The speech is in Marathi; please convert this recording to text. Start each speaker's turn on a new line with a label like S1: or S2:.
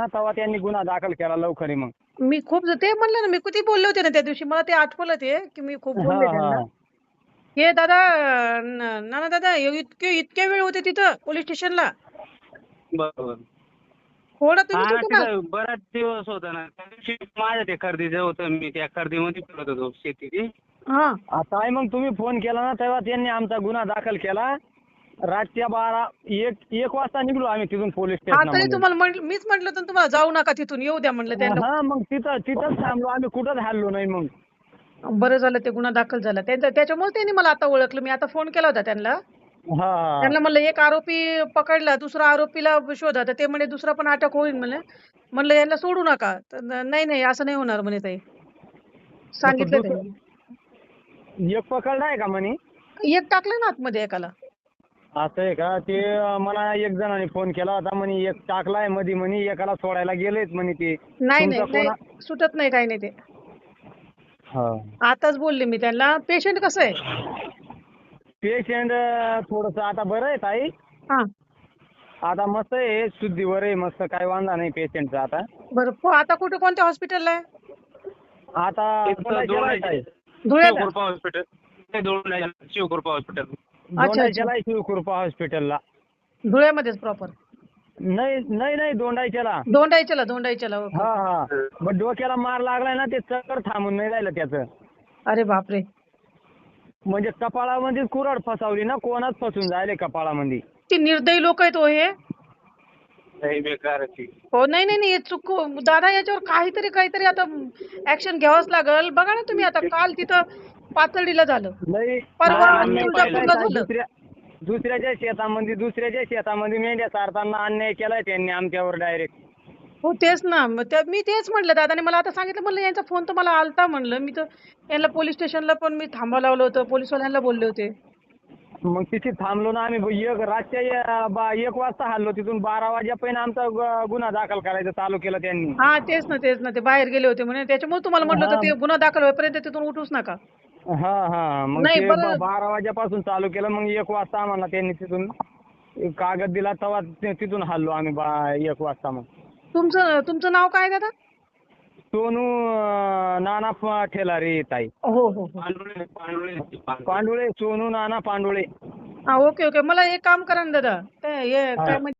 S1: तेव्हा त्यांनी गुन्हा दाखल केला लवकर मग.
S2: मी खूप ते म्हणलं ना, मी किती बोलले होते ना त्या दिवशी, मला ते आठवलं ते की मी खूप
S1: हा
S2: बोलले त्यांना.
S1: हा
S2: हे दादा, नाना दादा, इतके वेळ होते तिथं पोलीस स्टेशनला.
S3: बरोबर.
S2: थोडं
S3: हा
S2: तुम्हीच
S3: ना,
S2: होते ना.
S3: तिथं बराच दिवस होता ना. त्या दिवशी माझ्या ते खरेदीचं होतं, मी त्या खरेदीमध्ये फिरत होतो शेतीची.
S2: हा
S1: आता आहे मग तुम्ही फोन केला ना तेव्हा त्यांनी आमचा गुन्हा दाखल केला. रातच्या 1 वाजता निघलो आम्ही तिथून पोलीस
S2: हा तरी
S1: स्टेशनमधून.
S2: तुम्हाला मीच म्हटलं तर तुम्हाला जाऊ नका तिथून, येऊ द्या म्हणलं त्यांना.
S1: हा मग तिथंच थांबलो आम्ही, कुठंच हल्लो नाही मग.
S2: बरं झालं ते गुन्हा दाखल झाला त्याच्यामुळे त्यांनी मला आता ओळखलं. मी आता फोन केला होता त्यांना.
S1: हा
S2: त्यांना म्हणलं एक आरोपी पकडला, दुसरा आरोपीला शोधा. तर ते म्हणे दुसरा पण अटक होईल म्हणे. म्हणलं यांना सोडू नका. तर नाही नाही, असं नाही होणार म्हणे ताई, सांगितलं त्यांनी.
S1: एक पकडलाय का म्हणे?
S2: एक टाकलं ना आतमध्ये एकाला.
S1: असं आहे का? ते मला एक जणांनी फोन केला होता म्हणे एक टाकलाय मध्ये म्हणे, एकाला सोडायला गेलेत म्हणे ते.
S2: नाही
S1: तुमचा
S2: नाही नाही,
S1: कोणा
S2: सुटत नाही, काही नाही ते.
S1: हा
S2: आताच बोलले मी त्यांना. पेशंट कसं आहे?
S1: पेशंट थोडस आता बरं आहे ताई.
S2: हा
S1: आता मस्त आहे, शुद्धीवर आहे, मस्त काय वांधा नाही पेशंटचा आता.
S2: बरं. आता कोणत्या हॉस्पिटलला आहे?
S1: आता दोंडाईच्याला आहे ताई.
S2: धुळ्याला.
S3: शिवकृपा हॉस्पिटल. ते शिवकृपा हॉस्पिटल.
S1: दोंडाईच्याला आहे शिवकृपा हॉस्पिटलला.
S2: धुळ्यामध्येच प्रॉपर.
S1: नाही नाही नाही, दोंडाईच्याला.
S2: दोंडाईच्याला. ओके.
S1: हा हा. मग डोक्याला मार लागलाय ना, ते चक्कर थांबून नाही राहिलं त्याचं.
S2: अरे बापरे.
S1: म्हणजे कपाळामध्ये कुऱ्हाड फसवली ना, कोणाच फसून जायले कपाळामध्ये.
S2: ती निर्दयी लोक आहेत हो हे.
S3: लई बेकार आहे ती.
S2: हो नाही नाही नाही, हे चुक दादा, याच्यावर काहीतरी आता ऍक्शन घ्यावंच लागल. बघा ना तुम्ही, आता काल तिथं पातळीला झालं,
S1: नाही
S2: परवा
S1: अन्याय
S2: तुळजापूरला
S1: केलाय
S2: झालं.
S1: दुसऱ्याच्या शेतामध्ये मेंढ्या चारताना अन्याय केलाय त्यांनी आमच्यावर डायरेक्ट.
S2: हो तेच ना. मग मी तेच म्हटलं, दादाने मला आता सांगितलं. म्हणलं यांचा फोन तर मला आलता म्हणलं. मी तर यांना पोलीस स्टेशनला पण मी थांबा लावलं होतं, पोलीसवाल्यांना बोलले होते.
S1: मग तिथे थांबलो ना आम्ही. रातच्या 1 वाजता हल्लो तिथून. 12 वाजेपर्यंत आमचा गुन्हा दाखल करायचं चालू केलं त्यांनी.
S2: हा तेच ना, ते बाहेर गेले होते म्हणे. त्याच्यामुळे तुम्हाला म्हटलं होतं ते गुन्हा दाखल होईपर्यंत तिथून उठूच नका.
S1: हा हा. मग
S2: नाही,
S1: ते
S2: बरं.
S1: 12 वाजेपासून चालू केलं. मग 1 वाजता आम्हाला त्यांनी तिथून कागद दिला, तेव्हा तिथून हल्लो आम्ही 1 वाजता. मग
S2: तुमचं नाव काय दादा?
S1: सोनू नाना ठेलारे ताई.
S2: हो.
S1: पांडुळे, सोनू नाना पांडुळे.
S2: हा ओके. मला एक काम करा ना दादा, काय
S1: हा.
S2: म्हणजे